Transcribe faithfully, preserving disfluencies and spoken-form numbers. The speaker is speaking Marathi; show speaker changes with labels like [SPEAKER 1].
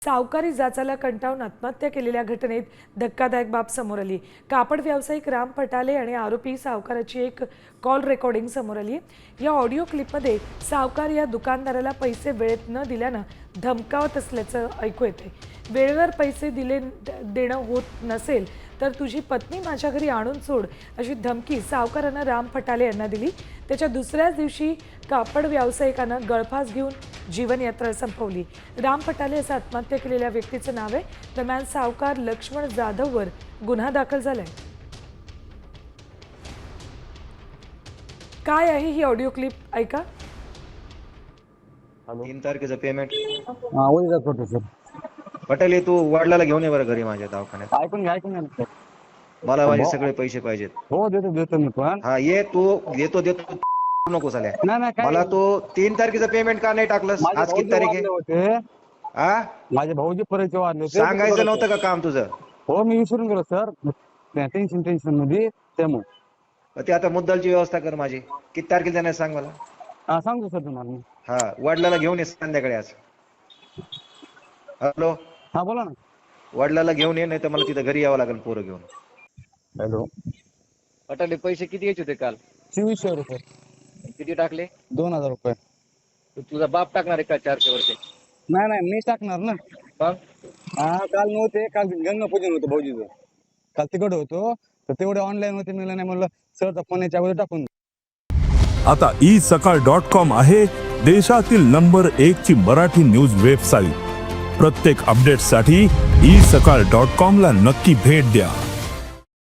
[SPEAKER 1] सावकारी जाचाला कंटाळून आत्महत्या केलेल्या घटनेत धक्कादायक बाब समोर आली। कापड व्यावसायिक राम फटाले आणि आरोपी सावकाराची एक कॉल रेकॉर्डिंग समोर आली। या ऑडिओ क्लिपमध्ये सावकार या दुकानदाराला पैसे वेळेत न दिल्यानं धमकावत असल्याचं ऐकू येते। वेळेवर पैसे दिले देणं होत नसेल तर तुझी पत्नी माझ्या घरी आणून सोड अशी धमकी सावकारानं राम फटाले यांना दिली। त्याच्या दुसऱ्याच दिवशी कापड व्यावसायिकानं गळफास घेऊन जीवनयात्रा संपवली। राम फटाले असं आत्महत्या केलेल्या व्यक्तीचं नाव आहे। दरम्यान सावकार लक्ष्मण जाधववर गुन्हा दाखल झालाय। काय आहे ही ऑडिओ क्लिप ऐका।
[SPEAKER 2] तीन तारखेचं पेमेंट
[SPEAKER 3] हा उद्या करतो सर।
[SPEAKER 2] पटेल तू वडिलाला घेऊन ये बरं घरी माझ्या दवाखान्यात।
[SPEAKER 3] ऐकून घ्या ऐकून घ्या सर।
[SPEAKER 2] मला माझे सगळे पैसे पाहिजेत।
[SPEAKER 3] हो देतो देतो मी पण।
[SPEAKER 2] हा ये तू देतो देतो नको झाल्या।
[SPEAKER 3] नाही नाही काय
[SPEAKER 2] मला तू तीन तारखेचं पेमेंट का नाही टाकलंस? आज किती तारीख आहे? हा
[SPEAKER 3] माझे भाऊजी परिचय वाढले होते।
[SPEAKER 2] सांगायचं नव्हतं का काम तुझं?
[SPEAKER 3] हो मी विसरून गेलो सर, टेन्शन टेन्शन मध्ये त्यामुळे।
[SPEAKER 2] ते आता मुद्दलची व्यवस्था कर माझी। किती तारखेला जाणार सांग मला।
[SPEAKER 3] हा सांगतो सर तुम्हाला मी।
[SPEAKER 2] हा वडिलाला घेऊन ये संध्याकाळी आज। हॅलो
[SPEAKER 3] हा बोला ना।
[SPEAKER 2] वडिलाला घेऊन ये, नाही तर मला तिथं घरी यावं लागेल पोरं घेऊन।
[SPEAKER 3] हॅलो
[SPEAKER 2] पटेल पैसे किती घ्यायचे होते काल?
[SPEAKER 3] चोवीसशे रुपये।
[SPEAKER 2] किती टाकले?
[SPEAKER 3] दोन हजार रुपये।
[SPEAKER 2] तुझा बाप टाकणार आहे का चारशे वरचे?
[SPEAKER 3] नाही नाही मी टाकणार ना।
[SPEAKER 2] मग
[SPEAKER 3] हा काल नव्हते, काल गंगा पूजन होतं भाऊजीचं, काल तिकडे होतो तर तेवढे ऑनलाईन होते, मिळालं नाही म्हणलं सरचा फोन याच्या अगोदर टाकून।
[SPEAKER 4] आता ई सकाळ डॉट कॉम आहे देशातील नंबर एक ची मराठी न्यूज वेबसाईट। प्रत्येक अपडेटसाठी ई सकाळ डॉट कॉम ला नक्की भेट द्या।